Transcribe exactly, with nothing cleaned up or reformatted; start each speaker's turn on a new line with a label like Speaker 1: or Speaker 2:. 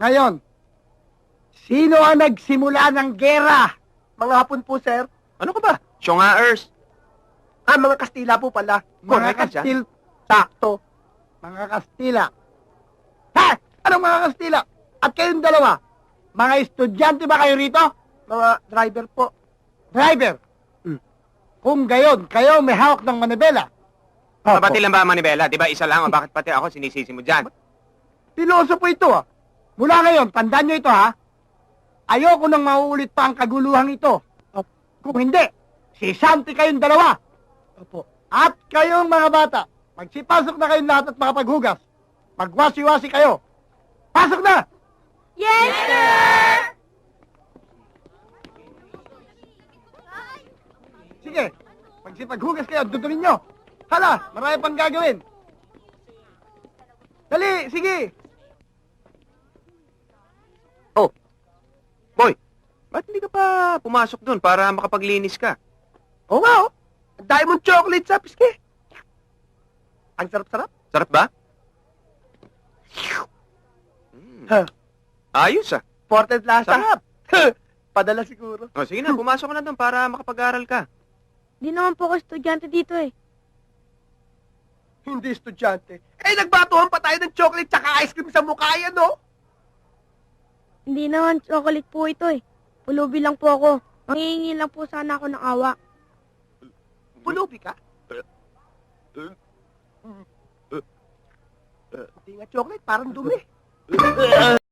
Speaker 1: Ngayon, sino ang nagsimula ng gera?
Speaker 2: Mga Hapon po, sir.
Speaker 3: Ano ka ba? Syongaers.
Speaker 2: Ah, mga Kastila po pala.
Speaker 1: Mga
Speaker 3: Correct ka dyan.
Speaker 1: Kastil...
Speaker 2: Sakto.
Speaker 1: Mga Kastila. Ha? Anong mga Kastila? At kayong dalawa, mga estudyante ba kayo rito?
Speaker 2: Mga driver po.
Speaker 1: Driver.
Speaker 2: Hmm.
Speaker 1: Kung gayon, kayo may hawak ng manibela.
Speaker 3: Mabati lang ba ang manibela? Di ba isa lang? O bakit pati ako sinisisi mo dyan?
Speaker 1: Piloso po ito, ah. Mula ngayon, tandaan nyo ito, ha? Ayoko nang mauulit pa ang kaguluhang ito. Kung hindi, sisanti kayong dalawa.
Speaker 2: Opo.
Speaker 1: At kayong mga bata, magsipasok na kayong lahat at makapaghugas. Magwasi-wasi kayo. Pasok na!
Speaker 4: Yes, sir!
Speaker 1: Sige, magsipaghugas kayo, dudunin nyo. Hala, marami pang gagawin. Dali, sige.
Speaker 3: Oh, boy, ba't hindi ka pa pumasok doon para makapaglinis ka?
Speaker 2: Oo nga, oh. Ang dami mong chocolate sa piske. Ang sarap-sarap.
Speaker 3: Sarap ba? Mm.
Speaker 2: Huh.
Speaker 3: Ayos ah.
Speaker 2: Ported lasa.
Speaker 3: Sarap.
Speaker 2: Padala siguro.
Speaker 3: O sige na, pumasok ka na doon para makapag-aral ka.
Speaker 4: Di naman po ako estudyante dito eh.
Speaker 2: Hindi estudyante. Eh, nagbatuhan pa tayo ng chocolate tsaka ice cream sa mukha yan, no?
Speaker 4: Hindi naman chocolate po ito eh. Pulubi lang po ako. Mangingi lang po sana ako ng awa.
Speaker 2: Pulubi ka? Hindi nga chocolate, parang dumi.